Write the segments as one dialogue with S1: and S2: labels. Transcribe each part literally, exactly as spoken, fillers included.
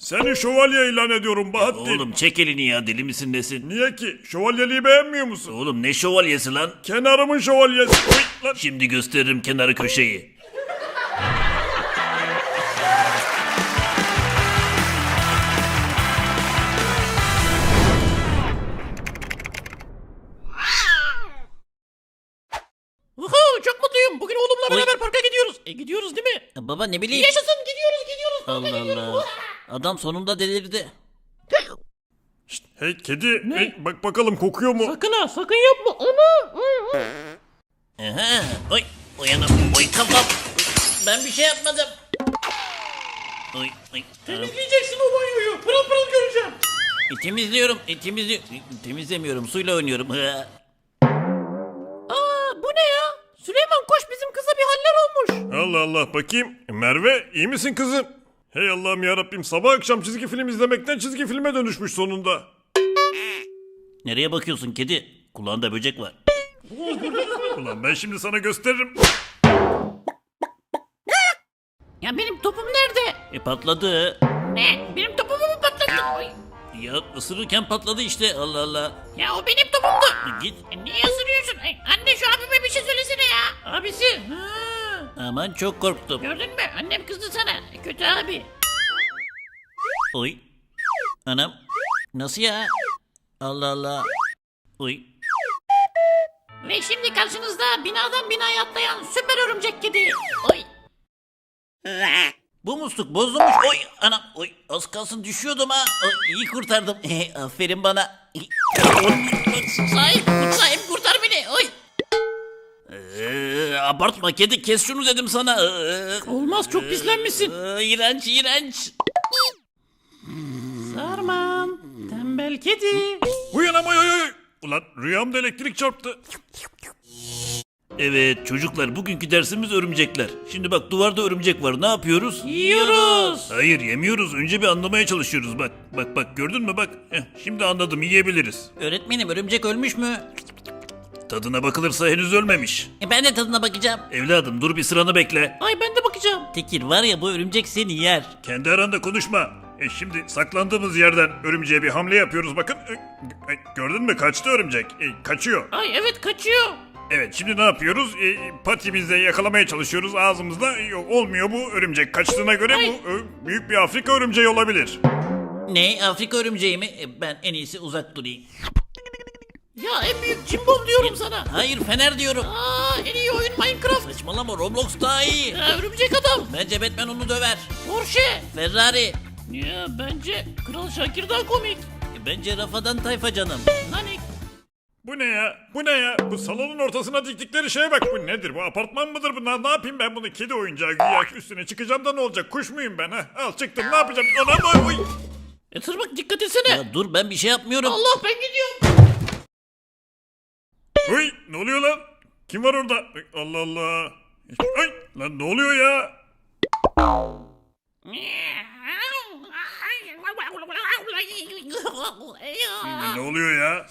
S1: Seni şövalye ilan ediyorum Bahattin.
S2: Oğlum çek elini ya, deli misin nesin?
S1: Niye ki? Şövalyeliği beğenmiyor musun?
S2: Oğlum ne şövalyesi lan?
S1: Kenarımın şövalyesi. Oy, lan.
S2: Şimdi gösteririm kenarı köşeyi.
S3: Uhu, çok mutluyum. Bugün oğlumla
S2: Oy.
S3: beraber parka gidiyoruz. E gidiyoruz değil mi?
S2: Baba ne bileyim.
S3: Yaşasın, gidiyoruz gidiyoruz. Parka
S2: Allah
S3: gidiyoruz.
S2: Allah. Adam sonunda delirdi.
S1: Şşt, hey kedi. Hey, bak bakalım kokuyor mu?
S3: Sakın ha, sakın yapma. Ana.
S2: Aha. Oy. Uyanım. Oy kafam. Ben bir şey yapmadım. Oy. Oy.
S3: Temizleyeceksin o banyoyu. Pırıl pırıl göreceğim.
S2: E, temizliyorum. E, temizliyorum. E, temizlemiyorum. Suyla oynuyorum. Hı.
S3: Aa, bu ne ya? Süleyman koş, bizim kıza bir haller olmuş.
S1: Allah Allah bakayım. Merve iyi misin kızım? Hey Allah'ım yarabbim, sabah akşam çizgi film izlemekten çizgi filme dönüşmüş sonunda.
S2: Nereye bakıyorsun kedi? Kulağında böcek var.
S1: Ulan ben şimdi sana gösteririm.
S3: Ya benim topum nerede?
S2: E patladı.
S3: Ne? Benim topumu mu patlattın? Ay.
S2: Ya ısırırken patladı işte. Allah Allah.
S3: Ya o benim topumdu.
S2: E, git.
S3: E, niye ısırıyorsun? Ay, anne şu abime bir şey söylesene ya. Abisi. Ha.
S2: Aman çok korktum.
S3: Gördün mü? Annem kızdı sana. E, kötü abi.
S2: Oy. Anam. Nasıl ya? Allah Allah. Oy.
S3: Ve şimdi karşınızda binadan binaya atlayan süper örümcek kedi. Oy.
S2: Bu musluk bozulmuş. Oy anam. Oy az kalsın düşüyordum ha. Oy, iyi kurtardım. Aferin bana.
S3: Sahip, sahip kurtar beni. Oy.
S2: Ee, abartma kedi, kes şunu dedim sana. Ee,
S3: Olmaz, çok pislenmişsin.
S2: ee, iğrenç iğrenç.
S3: Sarmam. Tembel kedi.
S1: Uyanam oy oy oy. Ulan rüyamda elektrik çarptı.
S2: Evet çocuklar, bugünkü dersimiz örümcekler. Şimdi bak, duvarda örümcek var, ne yapıyoruz?
S3: Yiyoruz.
S2: Hayır yemiyoruz, önce bir anlamaya çalışıyoruz. Bak bak bak, gördün mü bak. Heh, şimdi anladım, yiyebiliriz.
S3: Öğretmenim, örümcek ölmüş mü?
S2: Tadına bakılırsa henüz ölmemiş.
S3: E ben de tadına bakacağım.
S2: Evladım dur, bir sıranı bekle.
S3: Ay ben de bakacağım.
S2: Tekir var ya, bu örümcek seni yer.
S1: Kendi aranda konuşma. E şimdi saklandığımız yerden örümceğe bir hamle yapıyoruz bakın. E, e, gördün mü, kaçtı örümcek. E, kaçıyor.
S3: Ay evet, kaçıyor.
S1: Evet, şimdi ne yapıyoruz? E, patimizle yakalamaya çalışıyoruz ağzımızda. E, Yok, olmuyor bu örümcek. Kaçtığına göre
S3: Ay.
S1: bu e, büyük bir Afrika örümceği olabilir.
S2: Ne, Afrika örümceği mi? E, ben en iyisi uzak durayım.
S3: Ya en büyük cimbom diyorum sana.
S2: Hayır, fener diyorum.
S3: Aa, en iyi oyun Minecraft.
S2: Saçmalama, Roblox daha iyi.
S3: Ya, örümcek adam.
S2: Bence Batman onu döver.
S3: Porsche.
S2: Ferrari.
S3: Ya bence Kral Şakir daha komik.
S2: E, Bence Rafadan Tayfa canım.
S3: Nanik.
S1: Bu ne ya? Bu ne ya? Bu salonun ortasına diktikleri şeye bak. Bu nedir? Bu apartman mıdır bu? Ne, ne yapayım ben bunu? Kedi oyuncağı güya, üstüne çıkacağım da ne olacak? Kuş muyum ben ha? Al çıktım, ne yapacağım? Anam oy.
S3: E tırmık, dikkat etsene.
S2: Ya dur, ben bir şey yapmıyorum.
S3: Allah, ben gidiyorum.
S1: Oy, ne oluyor lan? Kim var orada? Ay, Allah Allah. Ay lan, ne oluyor ya? Ne oluyor ya?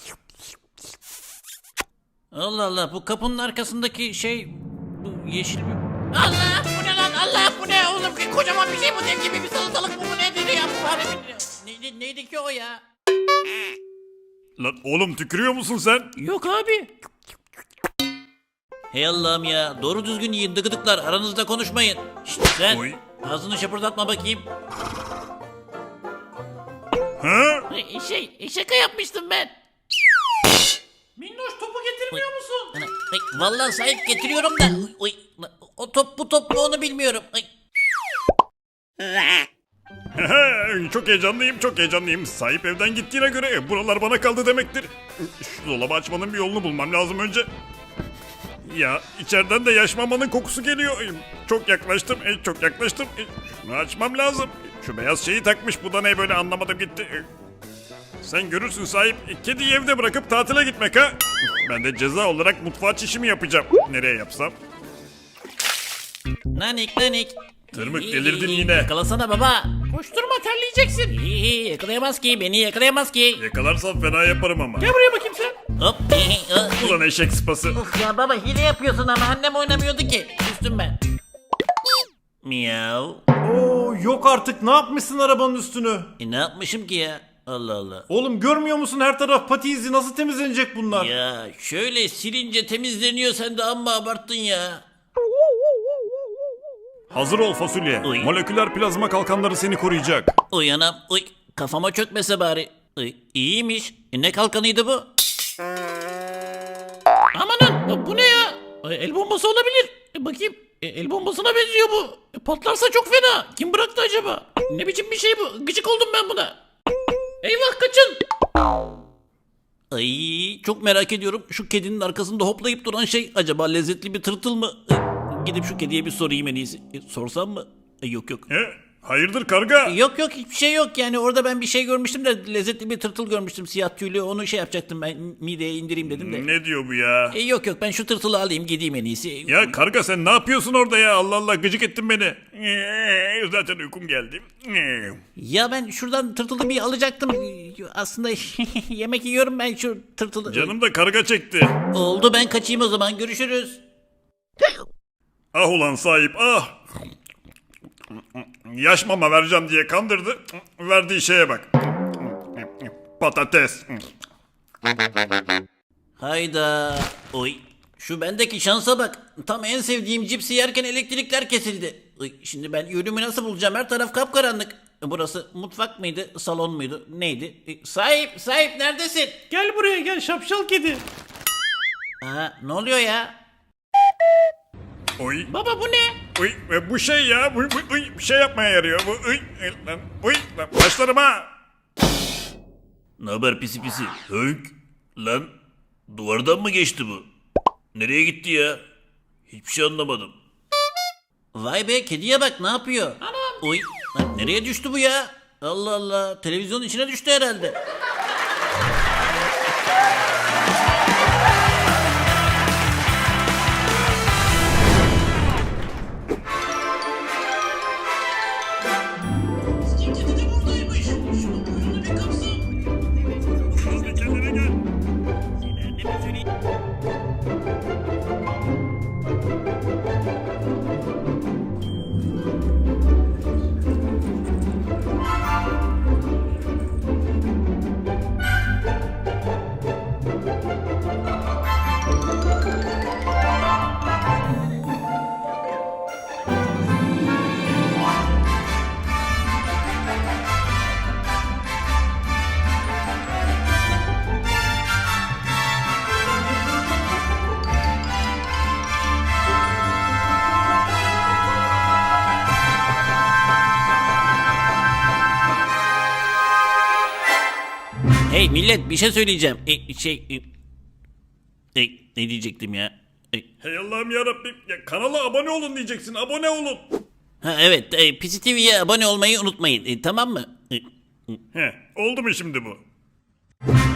S2: Allah Allah, bu kapının arkasındaki şey, bu yeşil bir...
S3: Allah, bu ne lan? Allah, bu ne oğlum? Kocaman bir şey bu, dev gibi bir salatalık bu, bu nedir ya? Bu haremin... Neydi, neydi ki o ya?
S1: Lan oğlum, tükürüyor musun sen?
S3: Yok abi.
S2: Hey Allah'ım ya, doğru düzgün yiyin dıgıdıklar, aranızda konuşmayın. Şşt sen,
S1: Oy.
S2: ağzını şapırdatma bakayım.
S1: Ha?
S3: E, Şey, e, şaka yapmıştım ben. Minnoş, topu getirmiyor musun?
S2: Ana, ay, vallahi sahip getiriyorum da. Oy, oy, o top bu top mu onu bilmiyorum. Ay.
S1: Çok heyecanlıyım, çok heyecanlıyım. Sahip evden gittiğine göre e, buralar bana kaldı demektir. Şu dolabı açmanın bir yolunu bulmam lazım önce. Ya içeriden de yaş mamanın kokusu geliyor. E, Çok yaklaştım, e, çok yaklaştım. E, Şunu açmam lazım. E, Şu beyaz şeyi takmış, bu da ne böyle, anlamadım gitti. E, Sen görürsün sahip, e, kediyi evde bırakıp tatile gitmek ha. Ben de ceza olarak mutfağa çişimi yapacağım. Nereye yapsam?
S2: Nanik nanik.
S1: Tırmık,
S2: İyi,
S1: delirdin
S2: iyi,
S1: yine.
S2: Yakalasana baba.
S3: Koşturma, terleyeceksin.
S2: İyi, iyi, yakalayamaz ki, beni yakalayamaz ki.
S1: Yakalarsam fena yaparım ama.
S3: Gel buraya bakayım sen.
S2: Hop. iyi, iyi.
S1: Ulan eşek sıpası.
S2: Of ya baba, hile yapıyorsun ama annem oynamıyordu ki. Üstüm ben. Miyav.
S4: Oo yok artık, ne yapmışsın arabanın üstünü?
S2: E ne yapmışım ki ya? Allah Allah.
S4: Oğlum görmüyor musun, her taraf pati izi, nasıl temizlenecek bunlar?
S2: Ya şöyle silince temizleniyor, sen de amma abarttın ya.
S1: Hazır ol fasulye.
S2: Uy.
S1: Moleküler plazma kalkanları seni koruyacak.
S2: Uy anam uy, kafama çökmese bari. Uy, iyiymiş. E, ne kalkanıydı bu?
S3: Amanın bu ne ya? E, El bombası olabilir. E, bakayım. E, El bombasına benziyor bu. E, patlarsa çok fena. Kim bıraktı acaba? Ne biçim bir şey bu? Gıcık oldum ben buna. Eyvah, kaçın.
S2: Ay çok merak ediyorum. Şu kedinin arkasında hoplayıp duran şey acaba lezzetli bir tırtıl mı? E, gidip şu kediye bir sorayım en iyisi. E, sorsam mı? E, yok yok.
S1: He? Hayırdır karga?
S2: Yok yok hiçbir şey yok yani, orada ben bir şey görmüştüm de lezzetli bir tırtıl görmüştüm, siyah tüylü, onu şey yapacaktım ben, mideye indireyim dedim de.
S1: Ne diyor bu ya?
S2: E, yok yok ben şu tırtılı alayım gideyim en iyisi.
S1: Ya karga sen ne yapıyorsun orada ya? Allah Allah, gıcık ettin beni. Ee, Zaten uykum geldi. Ee.
S2: Ya ben şuradan tırtılı bir alacaktım. Aslında yemek yiyorum ben şu tırtılı.
S1: Canım da karga çekti.
S2: Oldu, ben kaçayım o zaman, görüşürüz.
S1: Ah ulan sahip ah. Yaş mama vereceğim diye kandırdı. Verdiği şeye bak. Patates.
S2: Hayda. Oy. Şu bendeki şansa bak. Tam en sevdiğim cipsi yerken elektrikler kesildi. Oy, şimdi ben yönümü nasıl bulacağım? Her taraf kapkaranlık. E, Burası mutfak mıydı? Salon muydu? Neydi? E, Sahip, sahip neredesin?
S4: Gel buraya gel şapşal kedi.
S2: Aa, ne oluyor ya?
S1: Oy.
S3: Baba bu ne?
S1: Uy, e, bu şey ya, bu, bu, uy, bir şey yapmaya yarıyor. Bu, uy, e, lan, uy, lan, başlarım ha.
S5: Ne haber pisi pisi? Hönk. Lan duvardan mı geçti bu? Nereye gitti ya? Hiçbir şey anlamadım.
S2: Vay be, kediye bak ne yapıyor? Anam. Oy. Lan nereye düştü bu ya? Allah Allah. Televizyonun içine düştü herhalde.
S1: Bir kendine gel.
S2: Hey millet, bir şey söyleyeceğim. E, şey... E, e, ne diyecektim ya? E,
S1: Hey Allah'ım yarabbim. Ya, kanala abone olun diyeceksin. Abone olun.
S2: ha evet, e, Pisi T V'ye abone olmayı unutmayın. E, tamam mı? E,
S1: He, oldu mu şimdi bu?